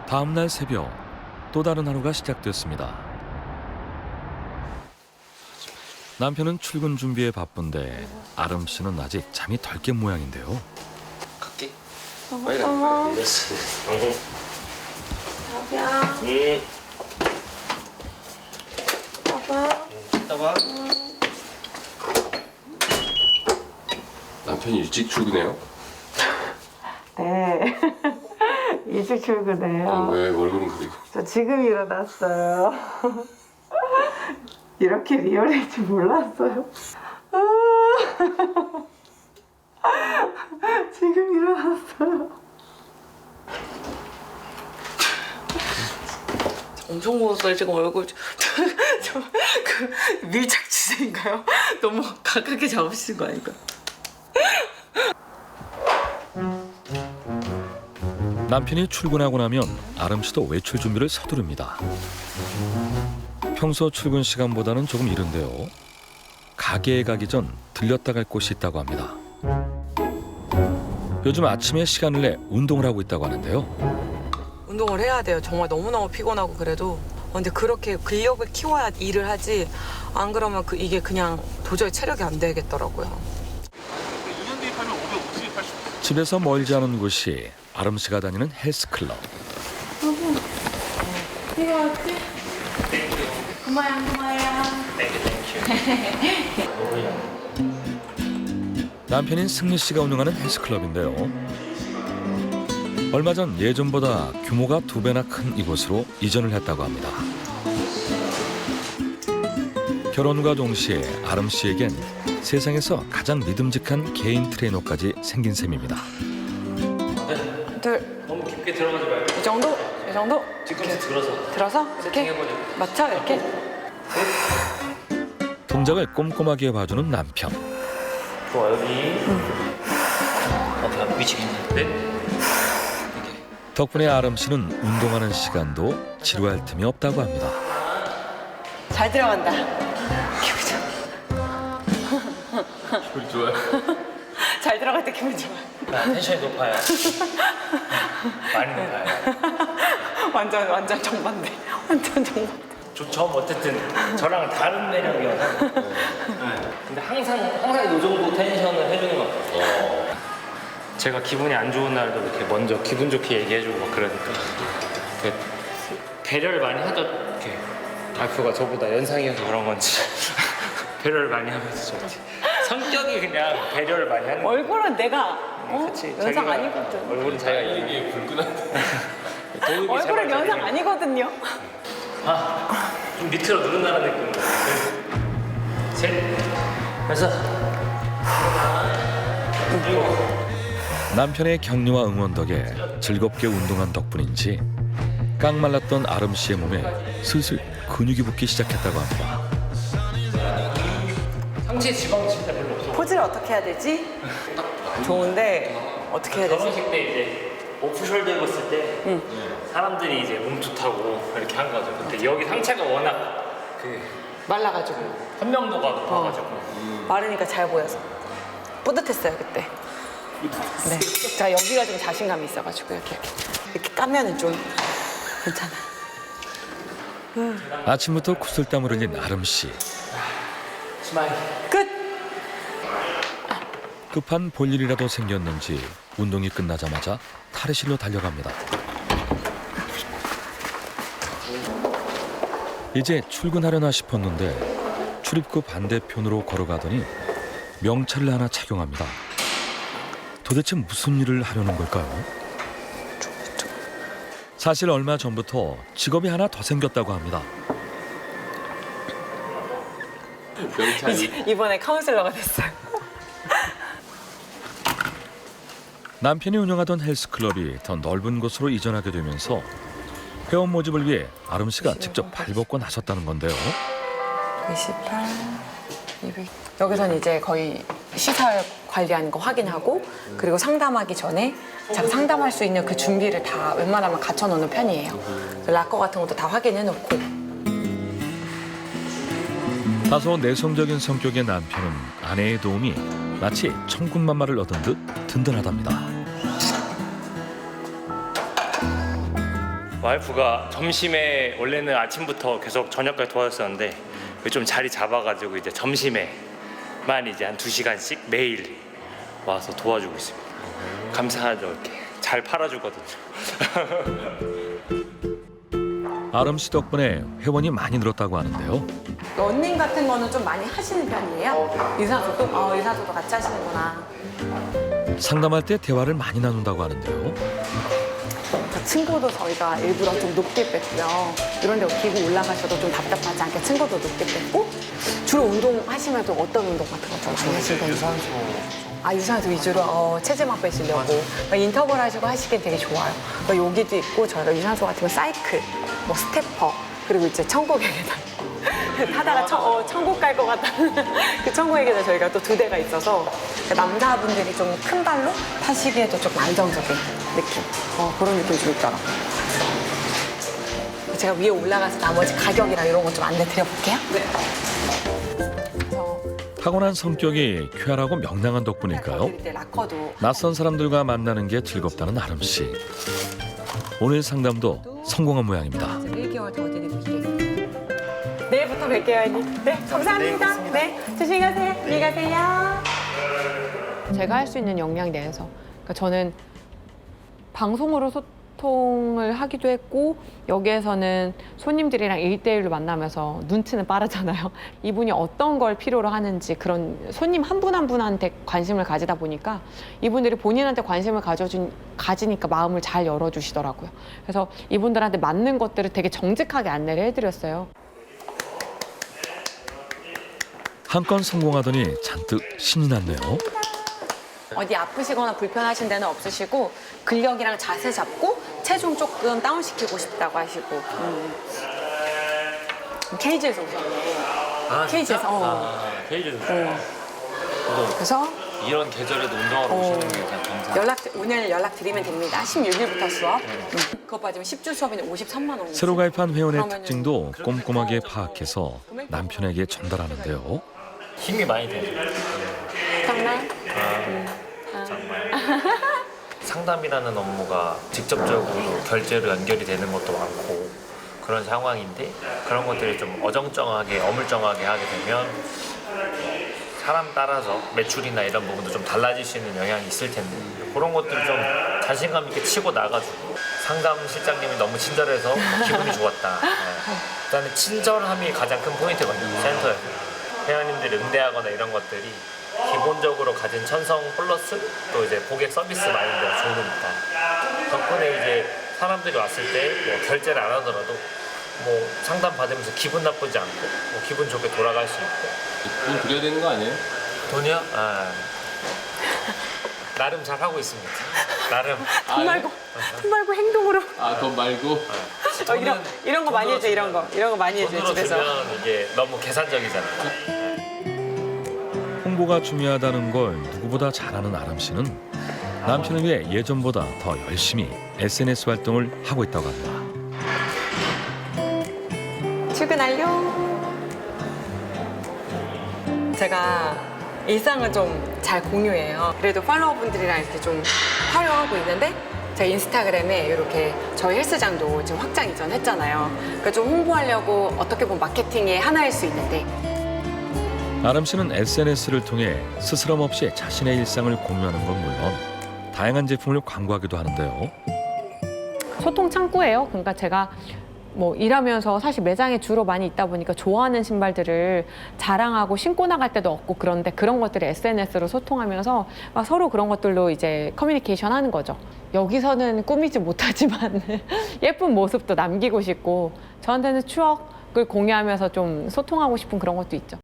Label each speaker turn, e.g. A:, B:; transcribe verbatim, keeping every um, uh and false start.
A: 다음날 새벽 또 다른 하루가 시작됐습니다. 남편은 출근 준비에 바쁜데 아름 씨는 아직 잠이 덜 깬 모양인데요.
B: 갈게.
C: 빨리 가.
B: 늦었어.
C: 자기야.
B: 응.
C: 봐봐.
B: 이따 봐.
D: 남편이 일찍 출근해요?
C: 네. 일찍 출근해요.
D: 아, 왜 얼굴은 그리고?
C: 저 지금 일어났어요. 이렇게 리얼일 줄 몰랐어요. 지금 일어났어요. 엄청 무웠어요. 지금 얼굴 저그 밀착 주제인가요? 너무 가깝게 잡으신 거 아닌가?
A: 남편이 출근하고 나면 아름 씨도 외출 준비를 서두릅니다. 평소 출근 시간보다는 조금 이른데요. 가게에 가기 전 들렸다 갈 곳이 있다고 합니다. 요즘 아침에 시간을 내 운동을 하고 있다고 하는데요.
E: 운동을 해야 돼요. 정말 너무너무 피곤하고 그래도. 근데 그렇게 근력을 키워야 일을 하지 안 그러면 그 이게 그냥 도저히 체력이 안 되겠더라고요.
F: 이 년 대입하면 오백오십, 팔십.
A: 집에서 멀지 않은 곳이 아름 씨가 다니는 헬스클럽.
C: 이거 어때? 고마야 고마야.
A: 남편인 승리 씨가 운영하는 헬스클럽인데요. 얼마 전 예전보다 규모가 두 배나 큰 이곳으로 이전을 했다고 합니다. 결혼과 동시에 아름 씨에겐 세상에서 가장 믿음직한 개인 트레이너까지 생긴 셈입니다.
E: 둘,
B: 너무 깊게 들어가지 말고
E: 이 정도? 이 정도?
B: 뒤꿈치 들어서
E: 들어서 이렇게
B: 해보자.
E: 맞춰 이렇게.
A: 동작을 꼼꼼하게 봐주는 남편.
B: 좋아 여기. 어, 나 미치겠는데?
A: 덕분에 아름 씨는 운동하는 시간도 지루할 틈이 없다고 합니다.
E: 잘 들어간다.
D: 기분이 좋아요?
E: 잘 들어갈 때 기분 좋아.
B: 나 텐션이 높아요. 많이 높아요.
E: 완전 완전 정반대. 완전 정반대.
B: 저, 저 어쨌든 저랑 다른 매력이어서. 네. 근데 항상 항상 이 정도 텐션을 해주는 것 같아요. 제가 기분이 안 좋은 날도 이렇게 먼저 기분 좋게 얘기해주고 막 그러니까 이렇게 배려를 많이 하죠. 이렇게 와이프가 저보다 연상이어서 그런 건지 배려를 많이 하면서 저한테 성격이 그냥 배려를 많이 하는 거예요.
E: 얼굴은 내가 어?
B: 그치,
E: 연상
B: 자기가-
E: 아니거든.
B: 얼굴은 자기가
D: 이게 불끈한데.
B: 도움이
E: 얼굴은
B: 제발
E: 연상
B: 자기가-
E: 아니거든요.
B: 아, 좀 밑으로 누른다는 느낌으로. 셋, 여섯, 일곱.
A: 남편의 격려와 응원 덕에 즐겁게 운동한 덕분인지 깡말랐던 아름 씨의 몸에 슬슬 근육이 붙기 시작했다고 합니다.
B: 상체 지방 진짜 별로 없어.
E: 포즈를 어떻게 해야 되지? 좋은데 어떻게 해야 되지?
B: 결혼식 때 이제 오프숄더 입었을 때 사람들이 이제 몸 좋다고 이렇게 한 거죠. 근데 여기 상체가 워낙 그
E: 말라가지고
B: 선명도가 높아가지고
E: 마르니까 잘 보여서 뿌듯했어요 그때. 네, 자 여기가 좀 자신감이 있어가지고 이렇게 이렇게, 이렇게 까면은 좀 괜찮아.
A: 아침부터 구슬땀을 흘린 아름 씨.
B: 스마일.
E: 끝.
A: 급한 볼일이라도 생겼는지 운동이 끝나자마자 탈의실로 달려갑니다. 이제 출근하려나 싶었는데 출입구 반대편으로 걸어가더니 명찰을 하나 착용합니다. 도대체 무슨 일을 하려는 걸까요? 사실 얼마 전부터 직업이 하나 더 생겼다고 합니다.
D: 명찰이.
E: 이번에 카운슬러가 됐어요.
A: 남편이 운영하던 헬스클럽이 더 넓은 곳으로 이전하게 되면서 회원 모집을 위해 아름 씨가 직접 발벗고 나섰다는 건데요.
E: 이십팔, 이백. 여기서는 이제 거의 시설 관리하는 거 확인하고 그리고 상담하기 전에 제가 상담할 수 있는 그 준비를 다 웬만하면 갖춰놓는 편이에요. 락커 같은 것도 다 확인해놓고.
A: 다소 내성적인 성격의 남편은 아내의 도움이 마치 천군만마를 얻은 듯 든든하답니다.
B: 와이프가 점심에 원래는 아침부터 계속 저녁까지 도와줬었는데 좀 자리 잡아가지고 이제 점심에만 이제 한 두 시간씩 매일 와서 도와주고 있습니다. 감사하죠. 이렇게 잘 팔아주거든요.
A: 아름 씨 덕분에 회원이 많이 늘었다고 하는데요.
E: 러닝 같은 거는 좀 많이 하시는 편이에요? 유산소도? 어, 유산소도 같이 하시는구나.
A: 상담할 때 대화를 많이 나눈다고 하는데요.
E: 저 층고도 저희가 일부러 좀 높게 뺐고요. 이런 데 기구 올라가셔도 좀 답답하지 않게 층고도 높게 뺐고, 주로 운동하시면 또 어떤 운동 같은 거 좀 많이 하시는 편이에요?
F: 유산소
E: 아, 유산소 위주로 어, 체지방 빼시려고 그러니까 인터벌 하시고 하시기엔 되게 좋아요. 그러니까 여기도 있고 저희가 유산소 같은 거 사이클, 뭐 스태퍼, 그리고 이제 천국의 계단 타다가 천, 어, 천국 갈 것 같다는 그 천국의 계단 저희가 또 두 대가 있어서 그러니까 남자분들이 좀 큰 발로 타시기에도 조금 안정적인 느낌, 어, 그런 느낌이 좀 있더라고요. 제가 위에 올라가서 나머지 가격이랑 이런 거 좀 안내 드려볼게요. 네.
A: 타고난 성격이 쾌활하고 명랑한 덕분일까요?
E: 락커도
A: 낯선 사람들과 만나는 게 즐겁다는 아름 씨. 오늘 상담도 성공한 모양입니다.
E: 일 개월 더 드리고 이게. 내일부터 뵐게요, 언니. 네, 감사합니다. 네, 조심히 가세요. 안녕히 가세요. 제가 할 수 있는 역량 내에서. 그러니까 저는 방송으로 소통을 하기도 했고 여기에서는 손님들이랑 일대일로 만나면서 눈치는 빠르잖아요. 이분이 어떤 걸 필요로 하는지 그런 손님 한 분 한 분한테 관심을 가지다 보니까 이분들이 본인한테 관심을 가져준, 가지니까 마음을 잘 열어주시더라고요. 그래서 이분들한테 맞는 것들을 되게 정직하게 안내를 해드렸어요.
A: 한 건 성공하더니 잔뜩 신이 났네요.
E: 어디 아프시거나 불편하신 데는 없으시고 근력이랑 자세 잡고 체중 조금 다운시키고 싶다고 하시고 음. 케이지에서 오셨네.
B: 아,
E: 케이지에서 어.
B: 아, 케이지에서
E: 어. 그래서
B: 이런 계절에도 운동하러
E: 어.
B: 오시는 게 감사합니다.
E: 연락 오늘 연락 드리면 됩니다. 십육 일부터 수업. 음. 그것 빠지면 십 주 수업이면 오십삼만 원.
A: 새로 가입한 회원의
E: 그러면은
A: 특징도 꼼꼼하게 파악해서 남편에게 전달하는데요.
B: 힘이 많이 돼요.
E: 정말?
B: 정말 상담이라는 업무가 직접적으로 결제로 연결이 되는 것도 많고 그런 상황인데 그런 것들이 좀 어정쩡하게 어물쩡하게 하게 되면 사람 따라서 매출이나 이런 부분도 좀 달라질 수 있는 영향이 있을 텐데 그런 것들을 좀 자신감 있게 치고 나가지고 상담 실장님이 너무 친절해서 기분이 좋았다. 네. 일단은 친절함이 가장 큰 포인트거든요. 센터에서 회원님들 응대하거나 이런 것들이 기본적으로 가진 천성 플러스 또 이제 고객 서비스 마인드가 좋으니까 덕분에 이제 사람들이 왔을 때 뭐 결제를 안 하더라도 뭐 상담 받으면서 기분 나쁘지 않고 뭐 기분 좋게 돌아갈 수 있고
D: 돈 드려야 되는 거 아니에요?
B: 돈이요? 아, 나름 잘 하고 있습니다. 나름
E: 돈 말고 돈 말고 행동으로.
D: 아, 돈 말고?
E: 어, 이런 이런 거 많이 해줘 이런 거 이런 거 많이 해줘
B: 돈으로
E: 집에서.
B: 주면 이게 너무 계산적이잖아요.
A: 홍보가 중요하다는 걸 누구보다 잘 아는 아름 씨는 남편을 위해 예전보다 더 열심히 에스엔에스 활동을 하고 있다고 합니다.
E: 출근 완료. 제가 일상을 좀 잘 공유해요. 그래도 팔로워분들이랑 이렇게 좀 활용하고 있는데 제가 인스타그램에 이렇게 저희 헬스장도 지금 확장 이전했잖아요. 그래서 좀 홍보하려고 어떻게 보면 마케팅의 하나일 수 있는데
A: 아름 씨는 에스엔에스를 통해 스스럼 없이 자신의 일상을 공유하는 건 물론 다양한 제품을 광고하기도 하는데요.
E: 소통 창구예요. 그러니까 제가 뭐 일하면서 사실 매장에 주로 많이 있다 보니까 좋아하는 신발들을 자랑하고 신고 나갈 때도 없고 그런데 그런 것들을 에스엔에스로 소통하면서 막 서로 그런 것들로 이제 커뮤니케이션 하는 거죠. 여기서는 꾸미지 못하지만 예쁜 모습도 남기고 싶고 저한테는 추억을 공유하면서 좀 소통하고 싶은 그런 것도 있죠.